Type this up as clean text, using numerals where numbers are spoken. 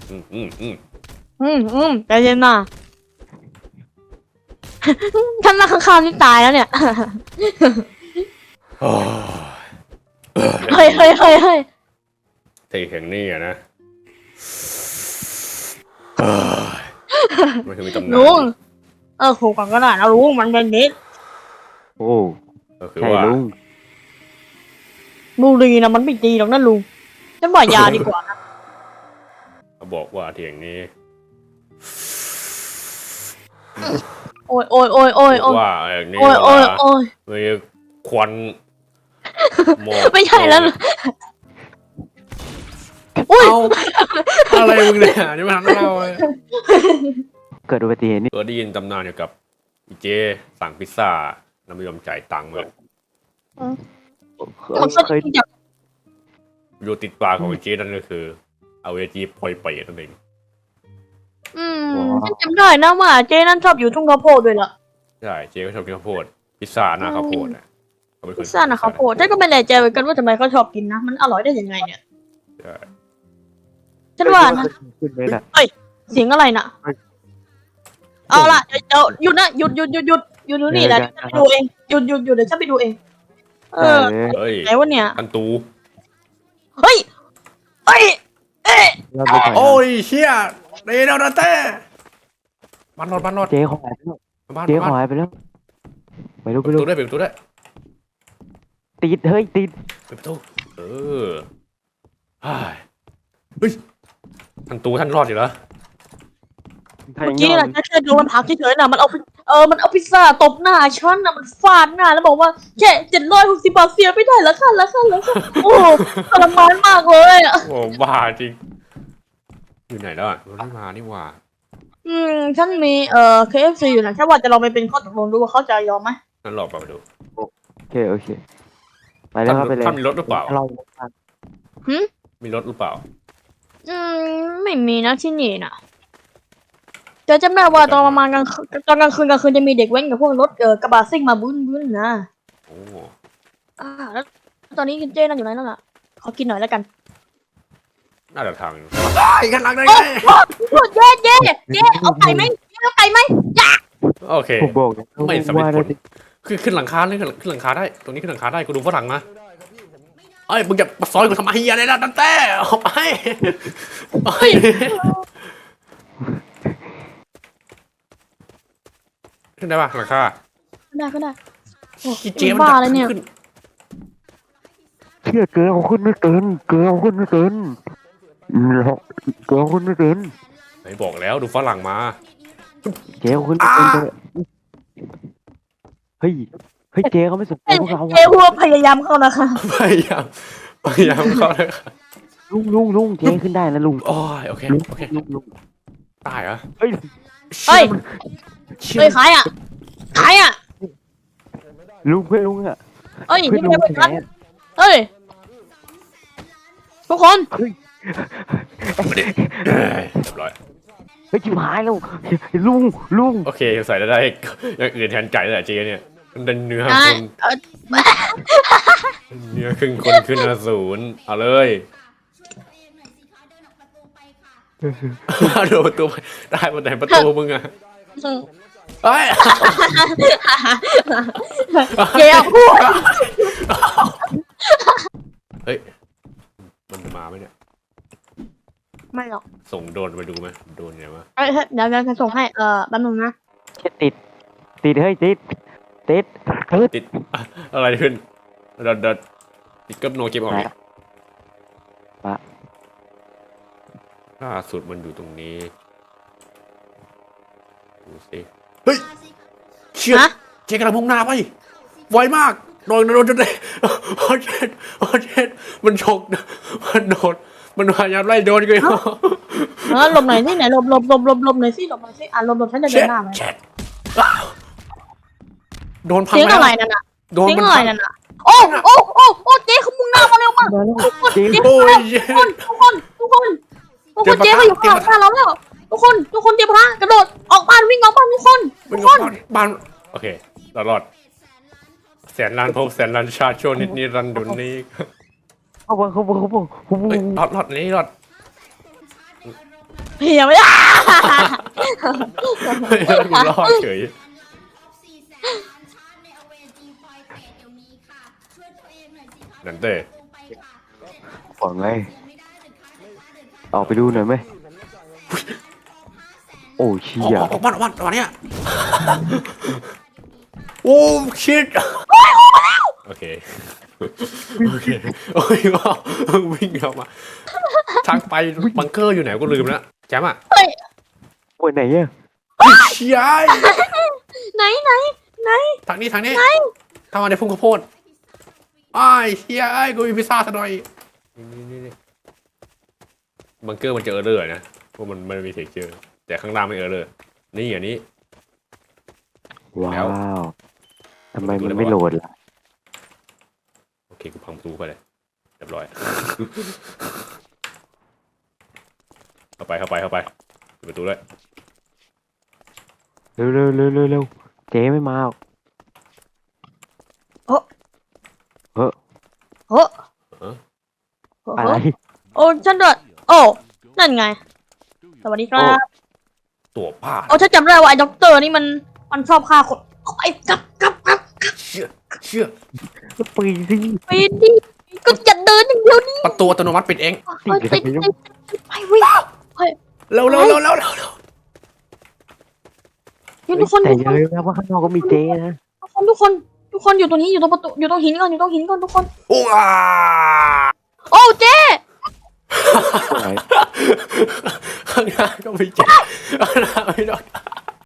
ใจเย็นน่ะ ท่านมาข้างๆนี่ตายแล้วเนี่ย เฮ้ยที่แห่งนี้อะนะมันคือมีตำนานลุงโหก่อนก็ได้นะลุงมันเป็นนิดโอ้ก็คือใช่ว่าลุงบุหรี่นะมันไม่ดีหรอกนะลุงฉันว่ายาดีกว่านะเขาบอกว่าที่แห่งนี้โอ้ยว่าอย่างนี้โอ้ยมีควันหมอกไม่ใช่แล้วอุ้ยเอาอะไรมึงเนี่ยนี่มันทำให้เราเลยเกิดอุบัติเหตุนี่ได้ยินตำนานเกี่ยวกับอีเจสั่งพิซซ่าแล้วไม่ยอมจ่ายตังค์เลยมันก็เคยอยากอยู่ติดปากของอีเจนั่นก็คือเอาเวจีพลอยเปย์นั่นเองฉันจำได้นะว่าเจ๊นั่นชอบอยู่ทุ่งข้าวโพดด้วยล่ะใช่เจก็ชอบกินข้าวโพดพิซซ่าหน้าข้าวโพดอ่ะเขเป็คพิซซ่านะข้าวโพดฉันก็ไม่แน่ใจเหมือนกันว่าทำไมเขาชอบกินนะมันอร่อยได้ยังไงเนี่ยใช่ฉันว่านะขึ้นเลยนะเสียงอะไรน่ะเอาล่ะเดี๋ยวหยุดนะหยุดนี่แหละฉันไปดูเองหยุดเดี๋ยวฉันไปดูเองได้เลยเฮ้ยไหนวะเนี่ยอันตูเฮ้ยเอ๊ะเราไปก่อนนะโอ้ยเชี่ยเดนเอาเต้บ้านรอดเจ๊เขาหายไปแล้วบ้านเจ๊เขาหายไปแล้วไปดูเปิดประตูได้เปิดประตูได้ติดเฮ้ยติดเปิดประตูเฮ้ยอันตูท่านรอดอยู่แล้วเมื่อกี้น่ะฉันแค่ดูมันพักเฉยๆน่ะมันเอาพิซซ่าตบหน้าฉันน่ะมันฟาดหน้าแล้วบอกว่าแค่760 บาทเสียไม่ได้แล้วค่ะโอ้ทรมานมากเลยอ่ะโอ้บ้าจริงอยู่ไหนแล้วอ่ะมันไม่มานี่หว่าฉันมีKFC อยู่นะแค่ว่าจะลองไปเป็นข้อตกลงดูว่าเขาจะยอมไหมนั่นหลอกไปดูโอเคไปแล้วครับไปเลยท่านมีรถหรือเปล่าเรามีรถหรือเปล่าไม่มีนะที่นี่นะแต่จำได้ว่าตอนประมาณตอนกลางคืนจะมีเด็กแว้นกับพวกรถกระบะซิ่งมาบึ้นนะโอ้แล้วตอนนี้เจ้นั่นอยู่ไหนนั่นล่ะขอกินหน่อยแล้วกันน่าจะทางไอ้กันหลังได้ไงเย้เอาไก่ไหมจ้าโอเคผมบอกนะไม่สำเร็จว่าผลขึ้นหลังคาเลยขึ้นหลังคาได้ตรงนี้ขึ้นหลังคาได้กูดูฝรั่งนะเอ้ยมึงจะมาซอยกูทำไมเฮียอะไรล่ะตั้งแต่ออกไปขึ้นได้ป่ะหลังคาก็ได้กี่เจมันบ้าเลยเนี่ยขึ้นเชื่อเกลือเขาขึ้นไม่เกินเกลือเขาขึ้นไม่เกินเราเกลือเขาขึ้นไม่เกินไหนบอกแล้วดูฝรั่งมาเจ๊เขาขึ้นไม่เกินเลยเฮ้ยเจ๊เขาไม่สนใจพวกเราเจ้หัวพยายามเข้านะคะพยายามเข้าเลยครับลุงเจ๊ขึ้นได้นะลุงโอ้ยโอเคลุงตายเหรอเฮ้ยเฮ้ยขายอ่ะลุงเพื่อนลุงอะเฮ้ยเพื่อนนี่ลุงไม่แขใช่เฮ้ยทุกคนเรียบร้อยเฮ้ยชิบหายแล้วลุงโอเคใส่ได้อย่างอื่นแทนไก่แต่เจเนี่ยมันเป็นเนื้อคนเนื้อครึ่งคนขึ้นอสูรเอาเลยโดนตัวได้บนไหนประตูมึงอะเฮ้ยเจ้าพูดเฮ้ยมันจะมาไหมเนี่ยไม่หรอกส่งโดนไปดูไหมโดนไงวะเดี๋ยวจะส่งให้แป๊บนึงนะแค่ติดเฮ้ยติดติดอะไรขึ้นเดินติดกับโนเกมออกเนี่ยล่าสุดมันอยู่ตรงนี้ดูสิเฮ้ยเชี่ยเจ๊กำลังมุ่งหน้าไปไวมากโดนจนได้โอ้เจ็ดมันฉกมันโดนมันพยายามไล่โดนกันหลบหน่อยสิไหนหลบหน่อยสิหลบฉันจะเดินหน้าไหมโดนพังเสียงแล้อะวไรนั่นน่ะโดนเสียงมันอะไรพังนั่นน่ะโอ้เจ๊เขามุ่งหน้ามาเร็วมากเจ๊โอ้ยทุกคนเจ๊เขาอยู่ข้างหน้าเราแล้วทุกคนเตรียมพละกระโดดออกบ้านวิ่งออกบ้านทุกคนบ้านโอเคเรารอดแสนล้านภพแสนล้านชาติโชนิดนี้รันดุนนี้เขาบอกเฮ้ยรอดนี้รอดเฮียไม่ได้เฮ้ยกูรอดเฉย นั่นเต้บอกไงออกไปดูหน่อยไหมโอ้เชี่ยออกบ้านวันเนี้ยโอ้ชิตโอเคโอเคโอ้ยว้าววิ่งออกมาทางไปบังเกอร์อยู่ไหนก็ลืมแล้วแจมอ่ะโอ้ยไหนเนี่ยเชี่ยไหนทางนี้เข้ามาในพุ่งข้าวโพดอ้ายเชี่ยกูมีพิซซ่าซะหน่อยนี่บังเกอร์มันจะเออร์เลอร์นะเพราะมันมีเทคเจอร์แต่ข้างล่างไม่เออร์เลอร์นี่อันนี้ว้าวทำไมมันไม่โหลดล่ะโอเคกูพังประตูไปเลยเรียบร้อยเข้าไปปิดประตูด้วยเร็วเจ๊ไม่มาหรอกโอ้อะไรโอ้ฉันด้วยโอ้นั่นไงสวัสดีครับตัวป้าโอ้ฉันจำได้ว่าไอ้ด็อกเตอร์นี่มันชอบฆ่าคนเอาไปกลับเชื่อปีสิไปดิก็จะเดินอย่างเดียวนี่ประตูอัตโนมัติปิดเองติดไปวิ่งเร็วทุกคนแต่อย่าลืมนะว่าข้างนอกก็มีเจ๊นะทุกคนอยู่ตรงนี้อยู่ตรงประตูอยู่ตรงหินก่อนทุกคนโอ้อาโอ้เจ๊ข้างหน้าก็ไม่เจ็บข้างหน้าไม่โดน